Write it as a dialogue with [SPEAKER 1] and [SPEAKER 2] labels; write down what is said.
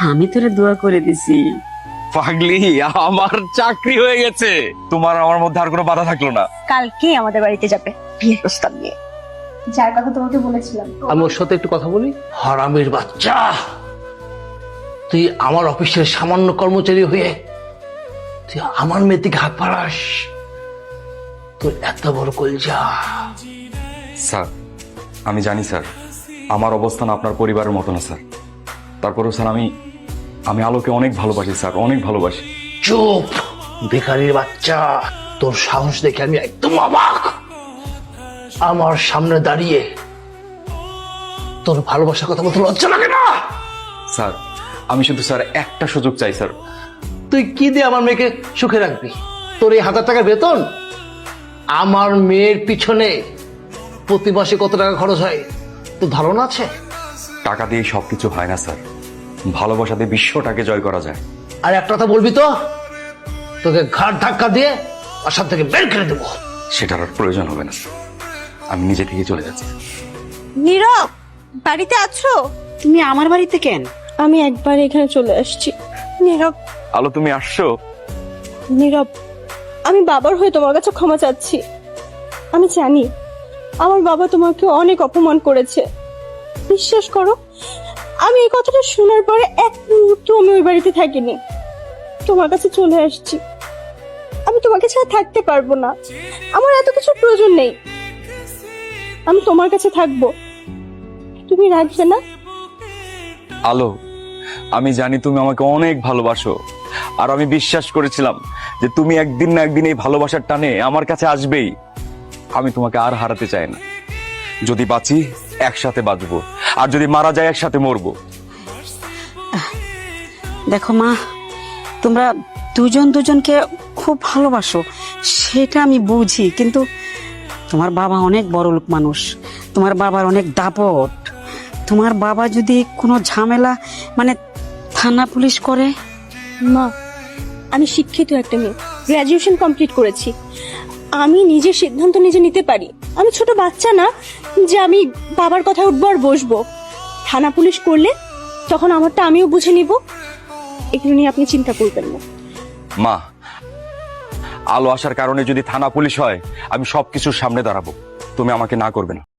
[SPEAKER 1] আমি তোরে দোয়া করে দিছি।
[SPEAKER 2] পাগলি, আমার চাকরি হয়ে গেছে। তোমার আমার মধ্যে আর কোনো বাধা থাকলো না।
[SPEAKER 3] কালকে আমাদের বাড়িতে যাবে বিয়ের প্রস্তাব নিয়ে, যার কথা তোমাকে বলেছিলাম।
[SPEAKER 4] আমি ওর সাথে একটু কথা বলি। হারামির বাচ্চা, তুই আমার অফিসের সামান্য কর্মচারী হয়ে তুই আমার মেয়ের দিকে হাত বাড়াস? তোর এত বড় কলজা!
[SPEAKER 2] স্যার, আমি জানি স্যার, আমার অবস্থান আপনার পরিবারের মতো না স্যার। তারপরেও স্যার, আমি আলোকে অনেক ভালোবাসি স্যার, অনেক ভালোবাসি।
[SPEAKER 4] চুপ ভিখারির বাচ্চা! তোর সাহস দেখে আমি একদম অবাক। আমার সামনে দাঁড়িয়ে তোর ভালোবাসার কথা বলতে লজ্জা লাগে না?
[SPEAKER 2] স্যার, আমি শুধু স্যার একটা সুযোগ চাই স্যার।
[SPEAKER 4] তুই কি দিয়ে আমার মেয়েকে সুখে রাখবি? তোর এই 1000 টাকার বেতন? আমার মেয়ের পিছনে প্রতি মাসে কত টাকা খরচ হয় তোর ধারণা আছে?
[SPEAKER 2] টাকা দিয়ে সবকিছু হয় না স্যার, ভালোবাসা দিয়ে বিশ্বটাকে জয় করা যায়।
[SPEAKER 4] আর একটা কথা বলবি তো তোকে ঘাট ধাক্কা দিয়ে বাসার থেকে বের করে দেবো।
[SPEAKER 2] সেটার আর প্রয়োজন হবে না স্যার, আমি নিজে থেকে চলে যাচ্ছি।
[SPEAKER 3] নীরব, বাড়িতে আছো?
[SPEAKER 1] তুমি আমার বাড়িতে কেন?
[SPEAKER 3] আমি একবার এখানে চলে আসছি। নীরব,
[SPEAKER 2] আলো, তুমি আসছো?
[SPEAKER 3] নীরব, আমি বাবার হয়ে তোমার কাছে ক্ষমা চাচ্ছি। আমি জানি আমার বাবা তোমাকে অনেক অপমান করেছে। বিশ্বাস করো, আমি এই কথাটা শোনার পরে এক মুহূর্ত আমি ওই বাড়িতে থাকিনি, তোমার কাছে চলে আসছি। আমি তোমাকে ছাড়া থাকতে পারবো না, আমার এত কিছু প্রয়োজন নেই, আমি তোমার কাছে থাকবো। তুমি রাখবে না?
[SPEAKER 2] আলো, আমি জানি তুমি আমাকে অনেক ভালোবাসো, আর আমি বিশ্বাস করেছিলাম যে তুমি একদিন না একদিন এই ভালোবাসার টানে আমার কাছে আসবেই। আমি তোমাকে আর হারাতে চাই না। যদি বাঁচি একসাথে বাঁচবো, আর যদি মারা যায় একসাথে মরবো।
[SPEAKER 1] দেখো মা, তোমরা দুজন দুজনকে খুব ভালোবাসো, সেটা আমি বুঝি, কিন্তু তোমার বাবা অনেক বড় লোক মানুষ, তোমার বাবার অনেক দাপট। তোমার বাবা যদি কোনো ঝামেলা, মানে থানা পুলিশ করে।
[SPEAKER 3] মা, আমি শিক্ষিত একটা মেয়ে, গ্রাজুয়েশন কমপ্লিট করেছি, আমি নিজের সিদ্ধান্ত নিজে নিতে পারি। আমি ছোট বাচ্চা না যে আমি বাবার কথায় উঠবো আর বসবো। থানা পুলিশ করলে তখন আমারটা আমিও বুঝে নিব, এগুলো নিয়ে আপনি চিন্তা করবেন না।
[SPEAKER 2] মা, আলো আসার কারণে যদি থানা পুলিশ হয়, আমি সবকিছুর সামনে দাঁড়াবো, তুমি আমাকে না করবে না।